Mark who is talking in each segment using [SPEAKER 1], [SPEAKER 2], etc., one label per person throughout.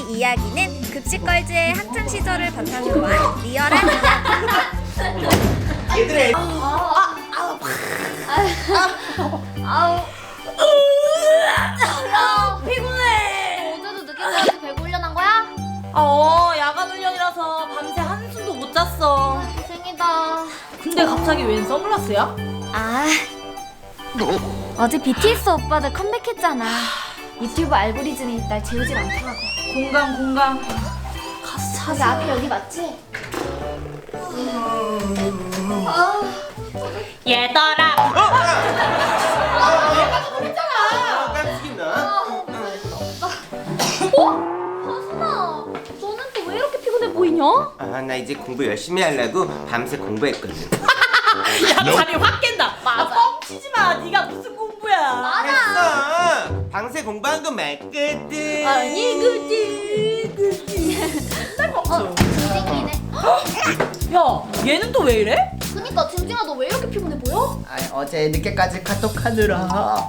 [SPEAKER 1] 이야기는 급식걸즈의 학창 시절을 바탕으로 한 리얼한 이야기.
[SPEAKER 2] 얘들아.
[SPEAKER 3] 야, 피곤해. 어제도 늦게까지 배구 훈련한 거야?
[SPEAKER 4] 야간 훈련이라서 밤새 한숨도 못 잤어.
[SPEAKER 3] 생이다.
[SPEAKER 4] 근데 갑자기 웬 선글라스야?
[SPEAKER 3] 어제 BTS 오빠들 컴백했잖아. 유튜브 알고리즘이 날 재우질 않더라고.
[SPEAKER 4] 공감. 가서
[SPEAKER 3] 저기
[SPEAKER 4] 찾아.
[SPEAKER 3] 앞에 여기 맞지?
[SPEAKER 4] 얘들아.
[SPEAKER 2] 깜찍이나?
[SPEAKER 3] 하순아, 너는 또 왜 이렇게 피곤해 보이냐?
[SPEAKER 2] 나 이제 공부 열심히 하려고 밤새 공부했거든.
[SPEAKER 4] 야, 잠이 확 깬다.
[SPEAKER 3] 맞아.
[SPEAKER 4] 뻥치지 마. 네가 무슨 공부야?
[SPEAKER 2] 했어. 밤새 공부한 거 맞거든.
[SPEAKER 4] 그치. 맨날 뻥쳐.
[SPEAKER 3] 징징이네.
[SPEAKER 4] 야, 얘는 또 왜 이래?
[SPEAKER 3] 그니까 징징아, 너 왜 이렇게 피곤해 보여?
[SPEAKER 5] 어제 늦게까지 카톡하느라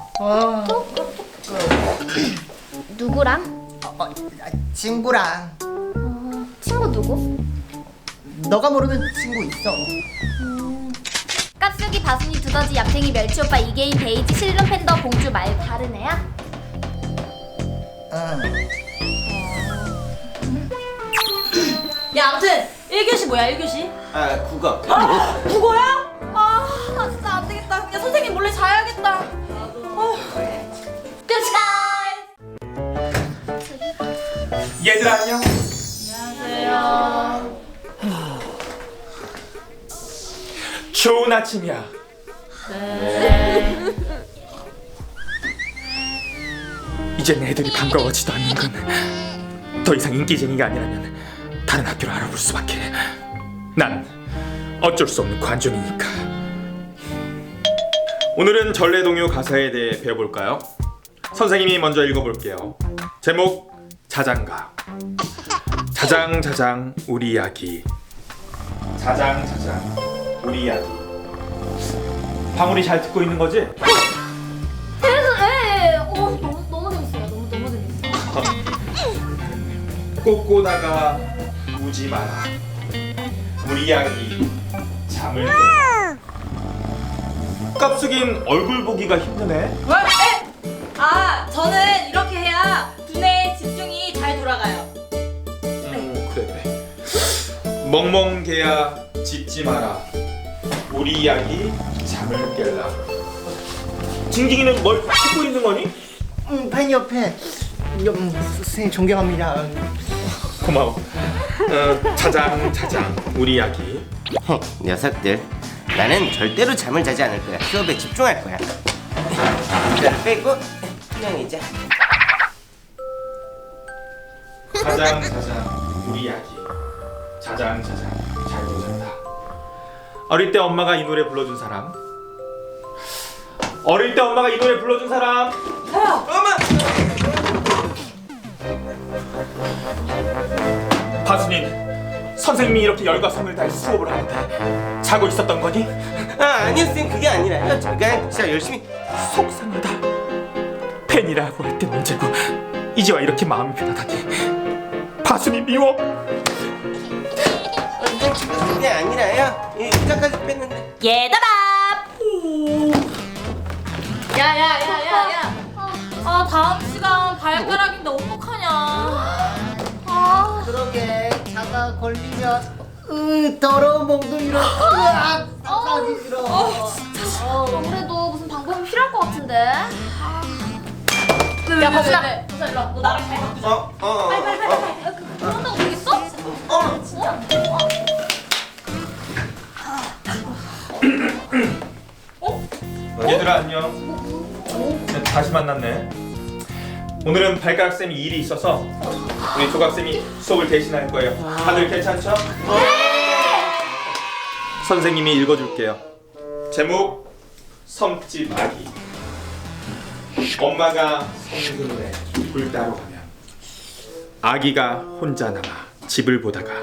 [SPEAKER 3] 누구랑?
[SPEAKER 5] 친구랑.
[SPEAKER 3] 친구 누구?
[SPEAKER 5] 너가 모르는 친구 있어.
[SPEAKER 3] 깝수기, 바순이, 두더지, 얌생이, 멸치오빠, 이계인, 베이지, 실눈, 팬더, 공주 말 다른 애야?
[SPEAKER 5] 응.
[SPEAKER 4] 야, 아무튼 1교시 뭐야, 1교시?
[SPEAKER 2] 국어.
[SPEAKER 4] 국어야? 나 진짜 안 되겠다. 그냥 선생님 몰래 자야겠다.
[SPEAKER 6] 얘들아 안녕.
[SPEAKER 4] 안녕하세요.
[SPEAKER 6] 좋은 아침이야.
[SPEAKER 4] 네.
[SPEAKER 6] 이젠 애들이 반가워지도 않는 건 더 이상 인기쟁이가 아니라면 다른 학교로 알아볼 수밖에. 난 어쩔 수 없는 관종이니까. 오늘은 전래동요 가사에 대해 배워볼까요? 선생님이 먼저 읽어볼게요. 제목 자장가. 자장자장 우리 이야기. 자장자장 우리 이야기. 방울이 잘 듣고 있는 거지?
[SPEAKER 3] 너무 재밌어요. 너무 재밌어요.
[SPEAKER 6] 꽃보다가 우지 마라. 우리 이야기 잠을 깨라. 깝숙인 얼굴 보기가 힘드네.
[SPEAKER 4] 왜? 저는 이렇게 해야 두뇌의 집중이 잘 돌아가요.
[SPEAKER 6] 그래. 멍멍개야 짖지 마라. 우리 이야기 잠을 깰라. 징징이는 뭘 찾고 있는 거니?
[SPEAKER 5] 팬 옆에. 선생님 존경합니다.
[SPEAKER 6] 고마워. 자장 우리 이야기.
[SPEAKER 2] 녀석들. 나는 절대로 잠을 자지 않을 거야. 수업에 집중할 거야. 이걸 빼고 투명이자.
[SPEAKER 6] 자장 우리 이야기. 자장 잘도 잔다. 어릴 때 엄마가 이 노래 불러준 사람. 어릴 때 엄마가 이 노래 불러준 사람. 엄마. 바순인, 선생님이 이렇게 열과 성을 다해 수업을 하는데 자고 있었던 거니?
[SPEAKER 2] 아니요 쌤, 그게 아니라요. 제가 진짜 열심히.
[SPEAKER 6] 속상하다. 팬이라고 할 땐 문제고 이제와 이렇게 마음이 변하다니. 바순이 미워.
[SPEAKER 2] 그게 아니라요. 의자까지 뺐는데.
[SPEAKER 4] 얘들아. 야야야야야. 다음 시간 발가락인데 어떡하냐.
[SPEAKER 5] 그러게 자가 걸리면 더러운 몽둥이로 하기 싫어.
[SPEAKER 3] 아무래도 무슨 방법이 필요할 것 같은데.
[SPEAKER 4] 야, 버스나. 버스 일로 와. 너 나랑 잘 바꾸자.
[SPEAKER 3] 그런다고 되겠어?
[SPEAKER 6] 얘들아 안녕. 다시 만났네. 오늘은 발가락 쌤이 일이 있어서 우리 조각 쌤이 수업을 대신할 거예요. 다들 괜찮죠? 네. 선생님이 읽어줄게요. 제목 섬집 아기. 엄마가 성근에 불 따러 가면 아기가 혼자 남아 집을 보다가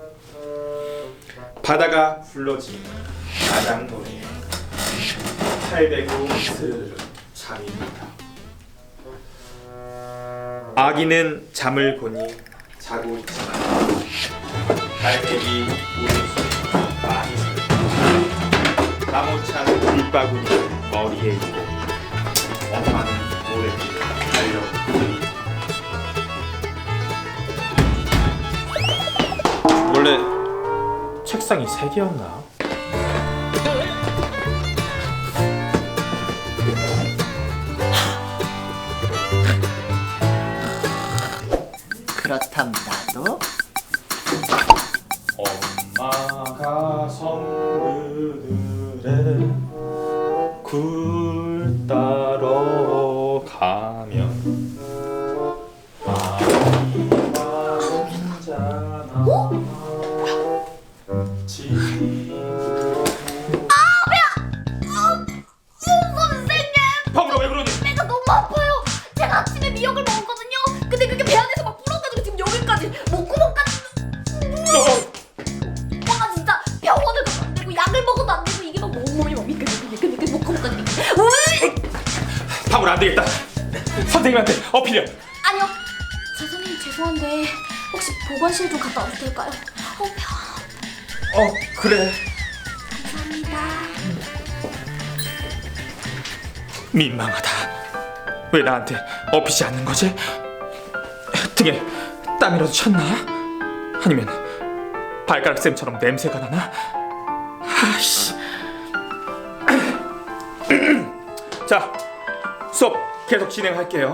[SPEAKER 6] 바다가 불러진 마당 노래에 팔베고 스르르 잠이 든다. 아기는 잠을 보니 자고 있지만 달팽이 우리수 많이 슬 나무찬 밑바구니 머리에 있고 엄마는 모래길을 달려오고 원래 책상이 3개였나?
[SPEAKER 5] 그렇다면 나도
[SPEAKER 6] 엄마가 성그늘에 굴 따러 가면 아이가 혼자나
[SPEAKER 3] 선생님!
[SPEAKER 6] 방울아 왜 그러니?
[SPEAKER 3] 배가 너무 아파요. 제가 아침에 미역을 먹었거든요. 근데 그게 배 안에서 막 불어가지고 지금 여기까지 목구멍까지. 와 진짜 병원을 가도 안 되고 약을 먹어도 안 되고 이게 막 온몸이 막 미끌미끌 목구멍까지 미끌.
[SPEAKER 6] 방울아 안 되겠다. 선생님한테 어필이야.
[SPEAKER 3] 아니요. 선생님 죄송한데 혹시 보건실 좀 갔다 와도 될까요?
[SPEAKER 6] 그래.
[SPEAKER 3] 감사합니다.
[SPEAKER 6] 민망하다. 왜 나한테 업히지 않는 거지? 등에 땀이라도 쳤나? 아니면 발가락 쌤처럼 냄새가 나나? 아씨. 자, 수업 계속 진행할게요.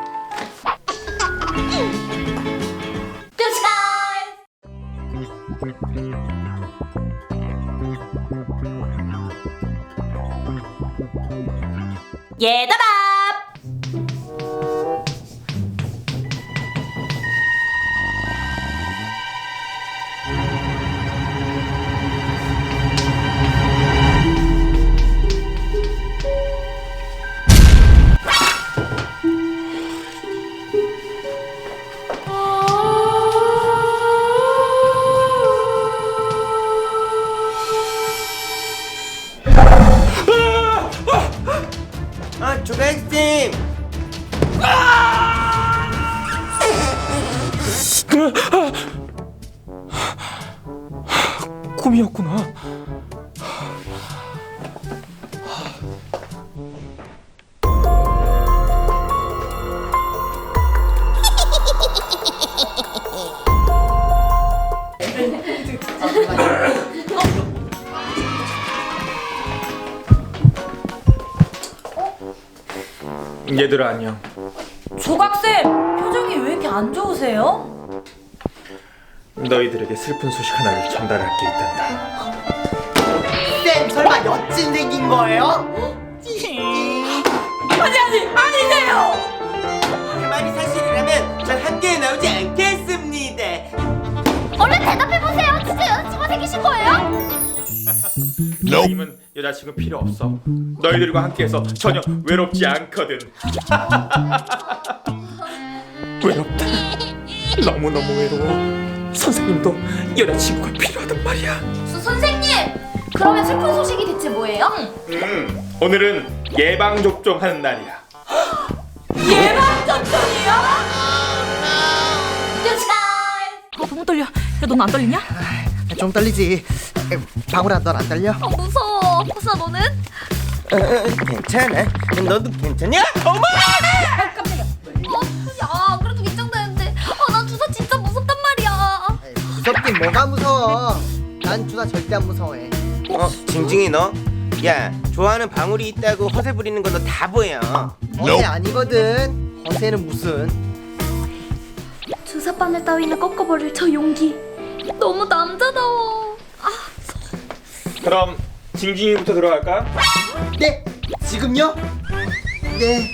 [SPEAKER 4] 얘들아!
[SPEAKER 2] 조각쌤!
[SPEAKER 6] 꿈이었구나. 얘들아 안녕.
[SPEAKER 4] 조각쌤! 표정이 왜 이렇게 안 좋으세요?
[SPEAKER 6] 너희들에게 슬픈 소식 하나를 전달할 게 있단다.
[SPEAKER 5] 쌤 설마 여친 생긴 거예요?
[SPEAKER 4] 아니세요!
[SPEAKER 2] 그 말이 사실이라면 전 학교에 나오지 않겠습니다.
[SPEAKER 3] 얼른 대답해보세요. 진짜 여자친구가 생기신 거예요?
[SPEAKER 6] 너희는 여자친구 필요 없어. 너희들과 함께해서 전혀 외롭지 않거든. 외롭다. 너무너무 외로워. 선생님도 여자친구가 필요하단 말이야.
[SPEAKER 3] 선생님! 그러면 슬픈 소식이 대체 뭐예요?
[SPEAKER 6] 오늘은 예방접종하는 날이야.
[SPEAKER 4] 예방접종이요? 너무 떨려. 야, 넌 안 떨리냐?
[SPEAKER 5] 좀 떨리지. 방울아 넌 안 떨려?
[SPEAKER 3] 무서워. 호사 너는?
[SPEAKER 2] 괜찮아. 너도 괜찮냐? 어머!
[SPEAKER 3] 야 그래도 긴장되는데. 난 주사 진짜 무섭단 말이야.
[SPEAKER 5] 무섭긴 뭐가 무서워. 난 주사 절대 안 무서워해.
[SPEAKER 2] 징징이 너? 야, 좋아하는 방울이 있다고 허세 부리는 건 너 다 보여.
[SPEAKER 5] 허세 아니거든. 허세는 무슨.
[SPEAKER 3] 주사 바늘 따위는 꺾어버릴 저 용기. 너무 남자다워.
[SPEAKER 6] 그럼 징징이부터 들어갈까?
[SPEAKER 5] 네, 지금요? 네.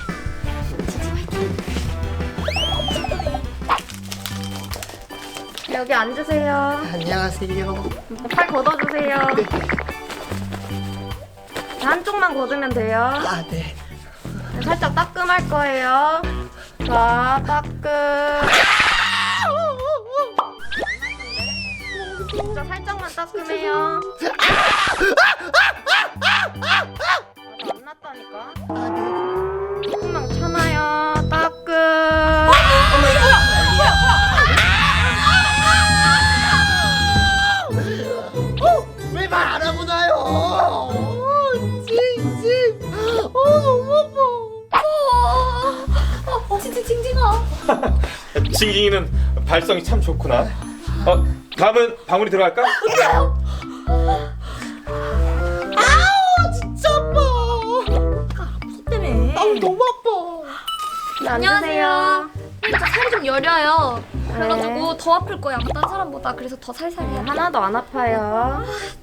[SPEAKER 1] 여기 앉으세요.
[SPEAKER 5] 안녕하세요.
[SPEAKER 1] 팔 걷어주세요.
[SPEAKER 5] 네.
[SPEAKER 1] 한쪽만 걷으면 돼요.
[SPEAKER 5] 아, 네.
[SPEAKER 1] 살짝 따끔할 거예요. 자, 따끔. 진짜 살짝만 따끔해요. 안 났다니까.
[SPEAKER 5] 아, 네.
[SPEAKER 1] 조금만 참아요. 따끔.
[SPEAKER 2] 어머, 이거
[SPEAKER 6] 징징이는 발성이 참 좋구나. 다음은 방울이 들어갈까?
[SPEAKER 4] 진짜 아파. 무슨 때문에?
[SPEAKER 5] 너무 아파.
[SPEAKER 1] 안녕하세요.
[SPEAKER 3] 진짜 살이 좀 여려요. 그래가지고 더 아플 거예요. 아마 다른 사람보다. 그래서 더 살살 해야 돼.
[SPEAKER 1] 하나도 안 아파요.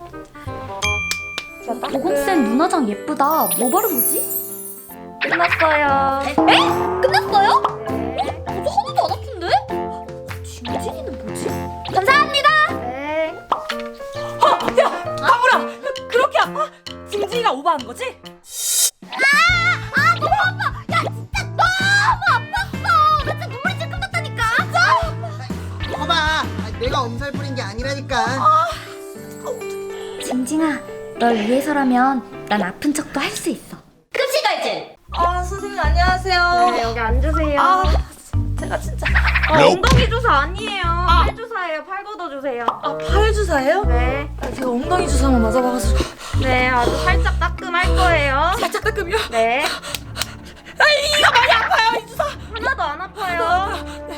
[SPEAKER 3] 보건쌤 눈화장 예쁘다. 뭐 바른 거지?
[SPEAKER 1] 끝났어요.
[SPEAKER 3] 끝났어요? 저도 하나도 안 아픈데? 징징이는 뭐지? 감사합니다.
[SPEAKER 1] 네.
[SPEAKER 4] 방울아, 그렇게 아파? 징징이가 오버한 거지?
[SPEAKER 3] 너무 아파. 야 진짜 너무 아팠어. 나 진짜 눈물이 찔끔 났다니까.
[SPEAKER 5] 봐봐. 내가 엄살 부린 게 아니라니까.
[SPEAKER 1] 징징아, 널 위해서라면 난 아픈 척도 할 수 있어.
[SPEAKER 3] 급식갈증.
[SPEAKER 4] 선생님 안녕하세요.
[SPEAKER 1] 네, 여기 앉으세요.
[SPEAKER 4] 제가 진짜
[SPEAKER 1] 엉덩이 주사 아니에요. 팔 주사예요. 팔 걷어주세요.
[SPEAKER 4] 팔 주사예요?
[SPEAKER 1] 네.
[SPEAKER 4] 제가 엉덩이 주사만 맞아봐가지고
[SPEAKER 1] 네, 아주 살짝 따끔할 거예요.
[SPEAKER 4] 살짝 따끔이요.
[SPEAKER 1] 네.
[SPEAKER 4] 이거 많이 아파요 이 주사.
[SPEAKER 1] 하나도 안 아파요.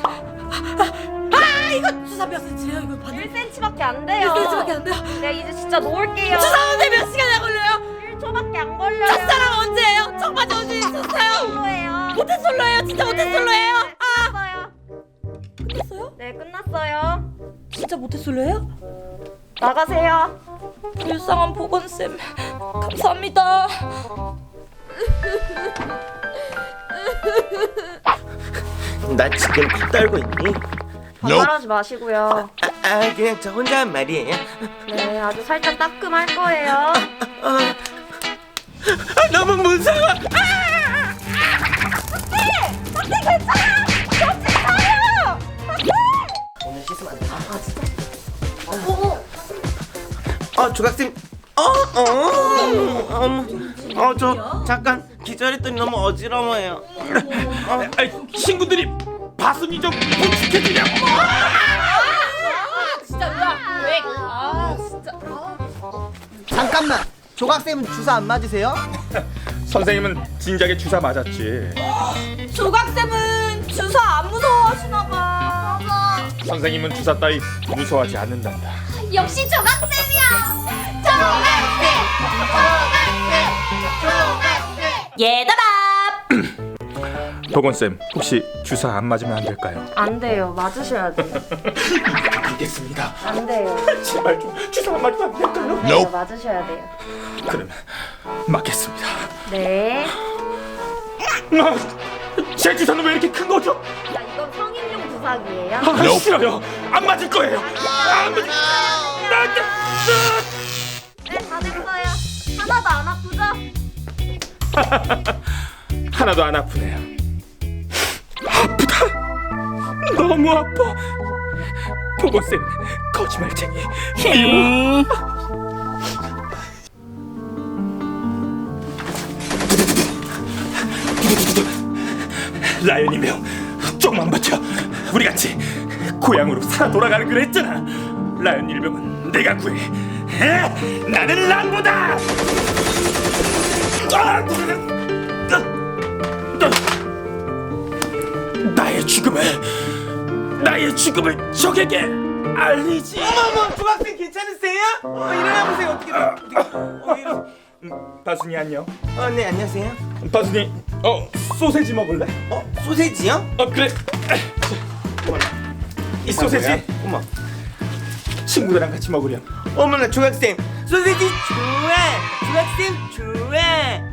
[SPEAKER 4] 이거 주사 몇 cm예요? 이거 받는
[SPEAKER 1] 1cm밖에 안 돼요.
[SPEAKER 4] 1cm밖에 안 돼요.
[SPEAKER 1] 네, 이제 진짜 놓을게요.
[SPEAKER 4] 주사하는데 몇 시간이나 걸려요?
[SPEAKER 1] 1초밖에 안 걸려요.
[SPEAKER 4] 첫사랑 언제예요? 첫 번째 언제 있었어요?
[SPEAKER 1] 솔로예요.
[SPEAKER 4] 모태솔로예요? 진짜 모태솔로예요?
[SPEAKER 1] 끝났어요.
[SPEAKER 4] 끝났어요?
[SPEAKER 1] 네, 끝났어요.
[SPEAKER 4] 진짜 모태솔로예요?
[SPEAKER 1] 나가세요.
[SPEAKER 4] 불쌍한 보건쌤 감사합니다.
[SPEAKER 2] 나 지금 코 떨고 있니?
[SPEAKER 1] 반말하지 마시고요.
[SPEAKER 2] 그냥 저 혼자 한 말이에요.
[SPEAKER 1] 네, 아주 살짝 따끔할 거예요.
[SPEAKER 2] 너무 무서워. 오늘 씻으면 안 돼. 조각쌤. 저 잠깐 기절했더니 너무 어지러워요.
[SPEAKER 6] 친구들이 바순이 좀 부축해주냐고.
[SPEAKER 4] 진짜 왜? 진짜.
[SPEAKER 5] 잠깐만. 조각쌤은 주사 안 맞으세요?
[SPEAKER 6] 선생님은 진작에 주사 맞았지.
[SPEAKER 4] 조각쌤은 주사 안 무서워하시나 봐.
[SPEAKER 6] 선생님은 주사 따위 무서워하지 않는단다.
[SPEAKER 3] 역시 조각쌤이야.
[SPEAKER 4] 얘들아.
[SPEAKER 6] 보건쌤, 혹시 주사 안 맞으면 안 될까요?
[SPEAKER 1] 안 돼요. 맞으셔야 돼요.
[SPEAKER 6] 알겠습니다.
[SPEAKER 1] 안 돼요.
[SPEAKER 6] 제발 좀 주사 안 맞으면 안 될까요?
[SPEAKER 1] 네, 맞으셔야 돼요.
[SPEAKER 6] 그럼 맞겠습니다.
[SPEAKER 1] 네.
[SPEAKER 6] 제 주사는 왜 이렇게 큰 거죠?
[SPEAKER 1] 자, 이건 성인용 주사기예요.
[SPEAKER 6] 싫어요. 안 맞을 거예요. 안 맞을.
[SPEAKER 1] 네, 다 됐어요. 하나도 안 아프죠?
[SPEAKER 6] 하나도 안 아프네요. 아프다. 너무 아파. 보건쌤 거짓말쟁이. 라연이며 조금만 버텨. 우리 같이 고향으로 살아 돌아가는 걸 했잖아. 라연 일병은 내가 구해. 나는 람보다. 나의 죽음을 적에게 알리지.
[SPEAKER 2] 어머, 조각쌤 괜찮으세요? 일어나 보세요. 어떻게?
[SPEAKER 6] 바순이 안녕.
[SPEAKER 2] 네, 안녕하세요.
[SPEAKER 6] 바순이 소세지 먹을래?
[SPEAKER 2] 소세지요?
[SPEAKER 6] 그래. 이 소세지
[SPEAKER 2] 어머.
[SPEAKER 6] 친구들이랑 같이 먹으렴.
[SPEAKER 2] 어머나, 조각쌤 소세지 좋아. 조각쌤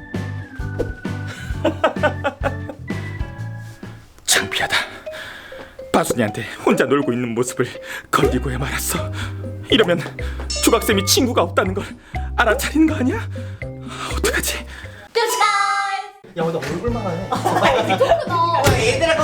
[SPEAKER 2] 좋아.
[SPEAKER 6] 창피하다. 바순이한테 혼자 놀고 있는 모습을 걸리고야 말았어. 이러면 조각쌤이 친구가 없다는 걸 알아차리는 거 아니야? 어떡하지?
[SPEAKER 5] 야, 근데 얼굴만 하네.
[SPEAKER 2] 얘들아,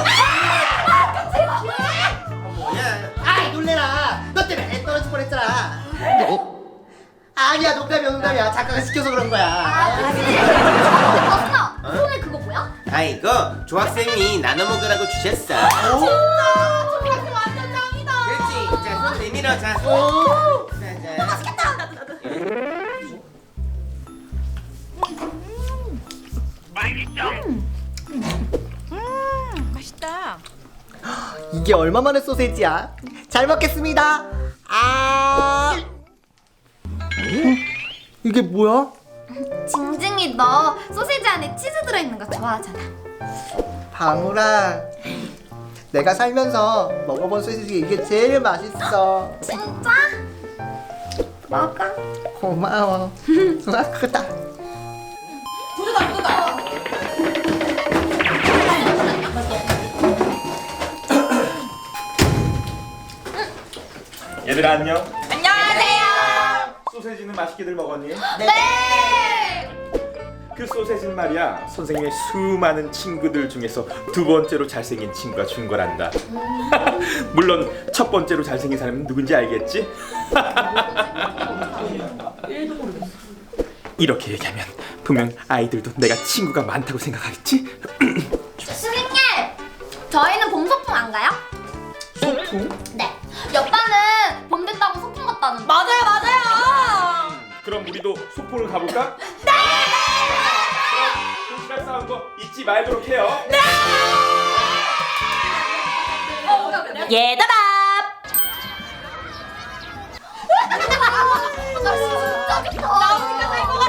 [SPEAKER 2] 뭐야?
[SPEAKER 5] 아이, 놀래라. 너 때문에 애 떨어질 뻔했잖아. 아니야, 농담이야. 작가가 시켜서 그런 거야.
[SPEAKER 3] 바순아, 손에 그거 뭐야?
[SPEAKER 2] 이거 조학생이 나눠 먹으라고 주셨어.
[SPEAKER 3] 조각쌤 완전 짱이다.
[SPEAKER 2] 그렇지. 자, 손 내밀어. 자. 자.
[SPEAKER 3] 맛있겠다.
[SPEAKER 4] 맛있다.
[SPEAKER 5] 이게 얼마만의 소세지야? 잘 먹겠습니다. 이게 뭐야?
[SPEAKER 3] 징징이 너 소세지 안에 치즈 들어있는 거 좋아하잖아.
[SPEAKER 5] 방울아, 내가 살면서 먹어본 소세지 이게 제일 맛있어.
[SPEAKER 3] 진짜? 먹어.
[SPEAKER 5] 고마워. 우와, 크다.
[SPEAKER 6] 얘들아 안녕.
[SPEAKER 4] 안녕하세요.
[SPEAKER 6] 소세지는 맛있게들 먹었니?
[SPEAKER 3] 네.
[SPEAKER 6] 그 소세지는 말이야 선생님의 수많은 친구들 중에서 두 번째로 잘생긴 친구가 준 거란다. 물론 첫 번째로 잘생긴 사람은 누군지 알겠지? 이렇게 얘기하면 분명 아이들도 내가 친구가 많다고 생각하겠지?
[SPEAKER 3] 선생님, 저희는 봄 소풍 안 가요?
[SPEAKER 6] 소풍?
[SPEAKER 3] 네. 옆반은 봄 된다고 소풍 갔다는데.
[SPEAKER 4] 맞아요.
[SPEAKER 6] 그럼 우리도 소풍을 가볼까? 네! 그럼 도시락 싸운 거 잊지 말도록 해요.
[SPEAKER 4] 얘들아.
[SPEAKER 3] 나 진짜 좋다.
[SPEAKER 4] 나 우리가 살것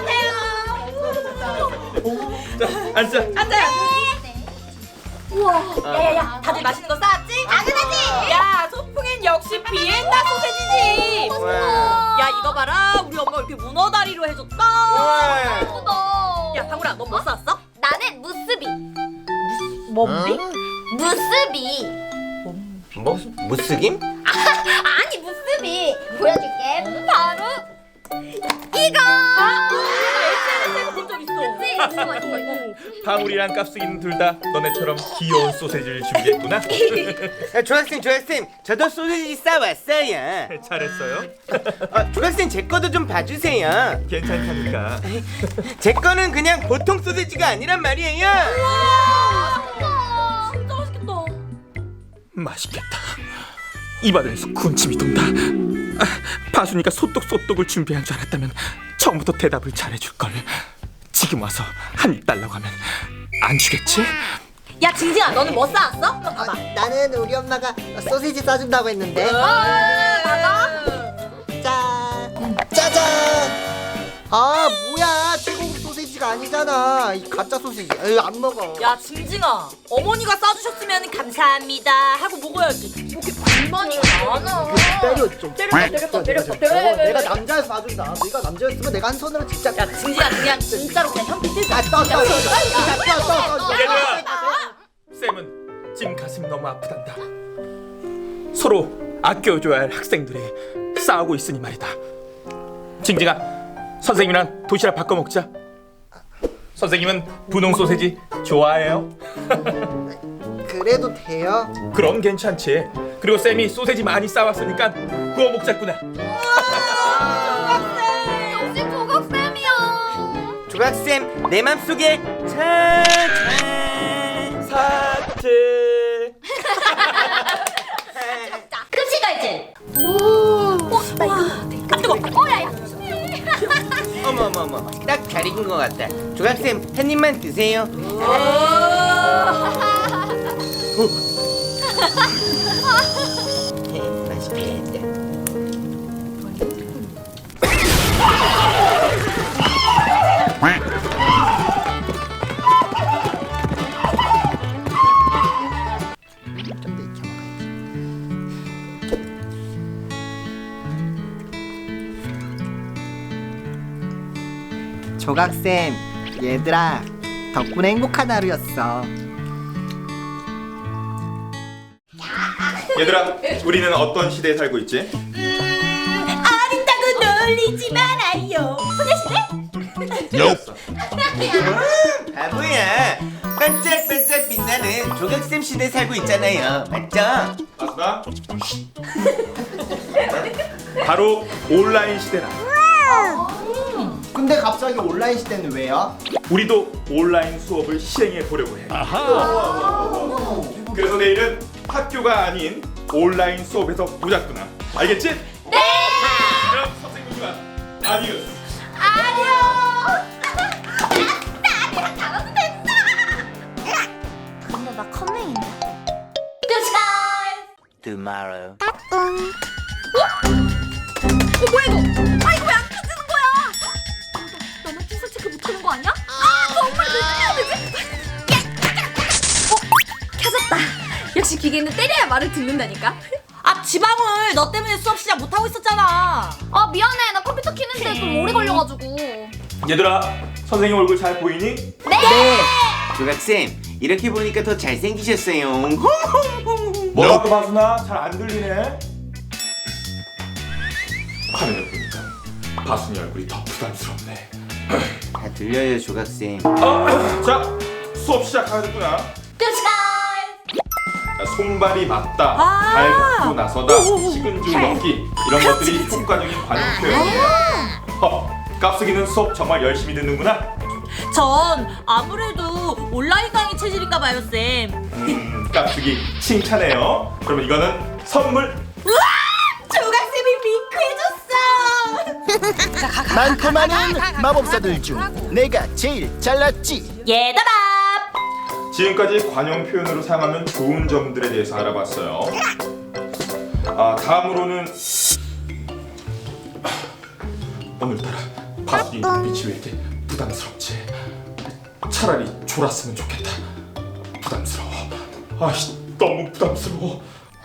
[SPEAKER 4] 같아요.
[SPEAKER 6] 자, 앉자.
[SPEAKER 4] 앉아요. 우와. 야야야, 다들 맛있는 거 싸왔지?
[SPEAKER 3] 당연하지.
[SPEAKER 4] 야, 소풍엔 역시 비엔나 소세지지.
[SPEAKER 2] 우와.
[SPEAKER 4] 야, 이거 봐라. 우리 엄마 이렇게 문어 다리로 해줬다.
[SPEAKER 2] 우와.
[SPEAKER 3] 예쁘다.
[SPEAKER 4] 야, 방울아, 너 뭐 싸왔어?
[SPEAKER 3] 나는 무스비.
[SPEAKER 4] 뭔비?
[SPEAKER 3] 무스비.
[SPEAKER 2] 뭐? 무스김?
[SPEAKER 3] 아니 무스비. 보여줄게. 바로 이거.
[SPEAKER 4] SNS에서 본 적 있어.
[SPEAKER 3] 이거.
[SPEAKER 6] 방울이랑 깝수기는 둘 다 너네처럼 귀여운 소세지를 준비했구나.
[SPEAKER 2] 조각쌤, 저도 소세지 싸왔어요.
[SPEAKER 6] 잘했어요.
[SPEAKER 2] 조각쌤 제 거도 좀 봐주세요.
[SPEAKER 6] 괜찮다니까.
[SPEAKER 2] 제 거는 그냥 보통 소세지가 아니란 말이에요.
[SPEAKER 4] 진짜 맛있겠다.
[SPEAKER 6] 맛있겠다. 입안에서 군침이 돈다. 바순이가 소떡소떡을 준비한 줄 알았다면 처음부터 대답을 잘해줄 걸. 지금 와서 한 입 달라고 하면 안 주겠지?
[SPEAKER 4] 야, 징징아, 너는 뭐 싸왔어?
[SPEAKER 5] 나는 우리 엄마가 소세지 싸준다고 했는데.
[SPEAKER 4] 맞아.
[SPEAKER 5] 짠! 짜잔! 아, 뭐야? 최고급 소세지가 아니잖아. 이 가짜 소세지. 에이, 안 먹어.
[SPEAKER 4] 야, 징징아, 어머니가 싸주셨으면 감사합니다 하고 먹어야지. 뭐 이렇게 불만이 많아.
[SPEAKER 5] 때려 좀.
[SPEAKER 4] 때렸다.
[SPEAKER 5] 내가 남자여서 봐준다. 네가 남자였으면 내가 한 손으로 진짜.
[SPEAKER 4] 야, 징징아, 그냥 진짜로 그냥 현피 뜨자.
[SPEAKER 5] 아, 떠.
[SPEAKER 6] 얘들아! 쌤은 지금 가슴이 너무 아프단다. 서로 아껴줘야 할 학생들이 싸우고 있으니 말이다. 징징아, 선생님이랑 도시락 바꿔 먹자. 선생님은 분홍 소세지 좋아해요?
[SPEAKER 5] 그래도 돼요?
[SPEAKER 6] 그럼 괜찮지. 그리고 쌤이 소세지 많이 싸왔으니까 구워 먹자꾸나.
[SPEAKER 3] 역시 조각쌤이야.
[SPEAKER 2] 조각쌤 내 맘속에 찬찬
[SPEAKER 6] 사트.
[SPEAKER 3] 급식 갈지. 오. 나 이거. 아 뜨거. 야야.
[SPEAKER 2] 어머 딱 잘 익은 것 같다. 조각쌤 한 입만 드세요. 맛있겠다.
[SPEAKER 5] 좀 더 익혀 먹어야지. 조각쌤, 얘들아, 덕분에 행복한 하루였어.
[SPEAKER 6] 얘들아, 우리는 어떤 시대에 살고 있지?
[SPEAKER 4] 어린다고 놀리지 말아요.
[SPEAKER 6] 이었어.
[SPEAKER 2] 바보야. 반짝반짝 빛나는 조각쌤 시대 살고 있잖아요. 맞죠?
[SPEAKER 6] 맞다. 바로 온라인 시대라.
[SPEAKER 5] 근데 갑자기 온라인 시대는 왜요?
[SPEAKER 6] 우리도 온라인 수업을 시행해 보려고 해. 그래서 내일은 학교가 아닌 온라인 수업에서 보자꾸나. 알겠지? 네. 그럼 선생님과 아디오스.
[SPEAKER 3] 근데 나 컴맹인데. 끝이다.
[SPEAKER 7] tomorrow.
[SPEAKER 3] 뭐야 이거? 아 이거 왜 안 켜지는 거야? 나만 출석 체크 못하는 거 아니야? 아 정말 왜 해야 되지?
[SPEAKER 1] 켜졌다. 역시 기계는 때려야 말을 듣는다니까.
[SPEAKER 4] 아 지방울 너 때문에 수업 시작 못하고 있었잖아.
[SPEAKER 3] 아 미안해 나 컴퓨터 키는데 좀 오래 걸려가지고.
[SPEAKER 6] 얘들아, 선생님 얼굴 잘 보이니?
[SPEAKER 2] 조각쌤, 이렇게 보니까 더 잘생기셨어요.
[SPEAKER 6] 뭐라고 바순아? 잘 안 들리네. 화면을 보니까 바순이 얼굴이 더 부담스럽네.
[SPEAKER 2] 다 들려요, 조각쌤.
[SPEAKER 6] 자, 수업 시작하겠구나. 자, 손발이 맞다, 발 걷고 나서다, 식은 죽 먹기 이런 것들이 효과적인 관용 표현이에요. 깝쓰기는 수업 정말 열심히 듣는구나.
[SPEAKER 4] 전 아무래도 온라인 강의 체질인가 봐요 쌤.
[SPEAKER 6] 깝쓰기 칭찬해요. 그러면 이거는 선물.
[SPEAKER 4] 조각쌤이 윙크해줬어.
[SPEAKER 5] 많고 많은 마법사들 중 내가 제일 잘났지.
[SPEAKER 4] 얘들아.
[SPEAKER 6] 지금까지 관용 표현으로 사용하면 좋은 점들에 대해서 알아봤어요. 다음으로는 오늘따라 바순이 눈빛이 왜 이렇게 부담스럽지? 차라리 졸았으면 좋겠다. 부담스러워. 아씨, 너무 부담스러워.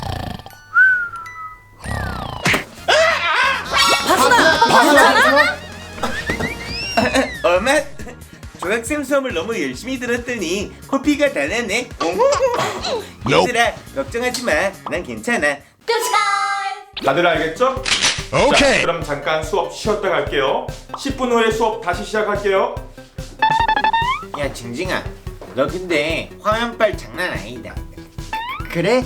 [SPEAKER 2] 엄마, 조각쌤 수업을 너무 열심히 들었더니 코피가 다 나네. 얘들아, 걱정하지 마. 난 괜찮아.
[SPEAKER 6] 다들 알겠죠? 오케이. 자, 그럼 잠깐 수업 쉬었다 갈게요. 10분 후에 수업 다시 시작할게요.
[SPEAKER 2] 야, 징징아, 너 근데 화면빨 장난 아니다.
[SPEAKER 5] 그래?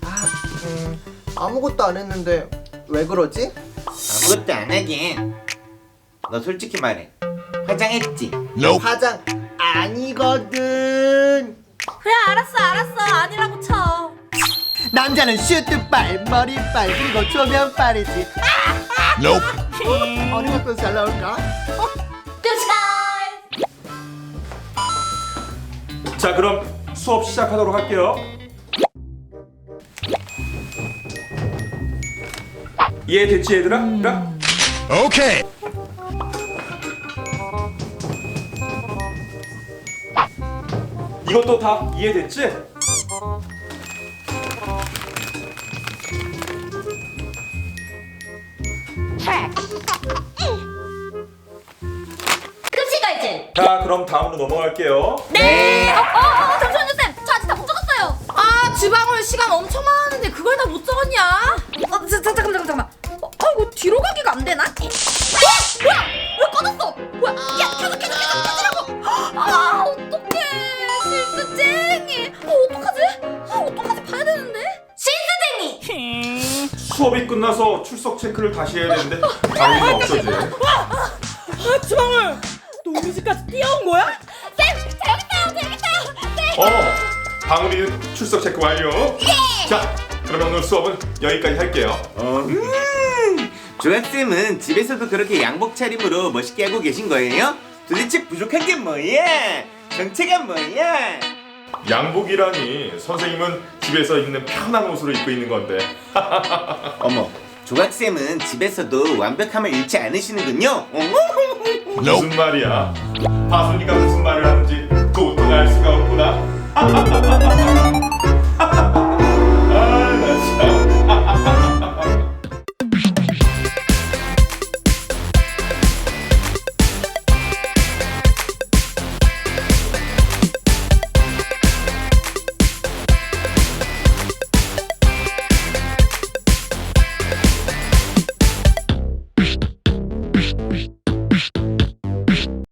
[SPEAKER 5] 아무것도 안 했는데 왜 그러지?
[SPEAKER 2] 아무것도 안 하긴. 너 솔직히 말해. 화장했지?
[SPEAKER 5] 화장 아니거든.
[SPEAKER 4] 그래 알았어 아니라고 쳐.
[SPEAKER 5] 남자는 슈트빨, 머리빨, 그리고 조면빨이지. 어느 것도 잘 나올까?
[SPEAKER 6] 자, 그럼 수업 시작하도록 할게요. 이해됐지 얘들아? 오케이. 이것도 다 이해됐지? 자, 그럼 다음으로 넘어갈게요.
[SPEAKER 3] 잠시만요 쌤. 저 아직 다 못 적었어요.
[SPEAKER 4] 아 지방울 시간 엄청 많았는데 그걸 다 못 적었냐?
[SPEAKER 1] 잠깐만. 이거 뒤로 가기가 안 되나?
[SPEAKER 3] 뭐야? 왜 꺼졌어? 뭐야? 야 켜지라고. 아 어떡해. 실수쟁이. 어떡하지 봐야 되는데. 실수쟁이.
[SPEAKER 6] 수업이 끝나서 출석 체크를 다시 해야 되는데 방울이가 없어지.
[SPEAKER 4] 아 지방울 너 우리 집까지 뛰어온 거야?
[SPEAKER 3] 쌤, 저 여기 있어요. 쌤.
[SPEAKER 6] 방울이 출석 체크 완료. 자, 그러면 오늘 수업은 여기까지 할게요.
[SPEAKER 2] 조각쌤은 집에서도 그렇게 양복 차림으로 멋있게 하고 계신 거예요? 도대체 부족한 게 뭐야? 정체가 뭐야?
[SPEAKER 6] 양복이라니, 선생님은 집에서 입는 편한 옷으로 입고 있는 건데.
[SPEAKER 2] 어머, 조각쌤은 집에서도 완벽함을 잃지 않으시는군요.
[SPEAKER 6] 무슨 말이야? 바순이가 무슨 말을 하는지 도통 알 수가 없구나.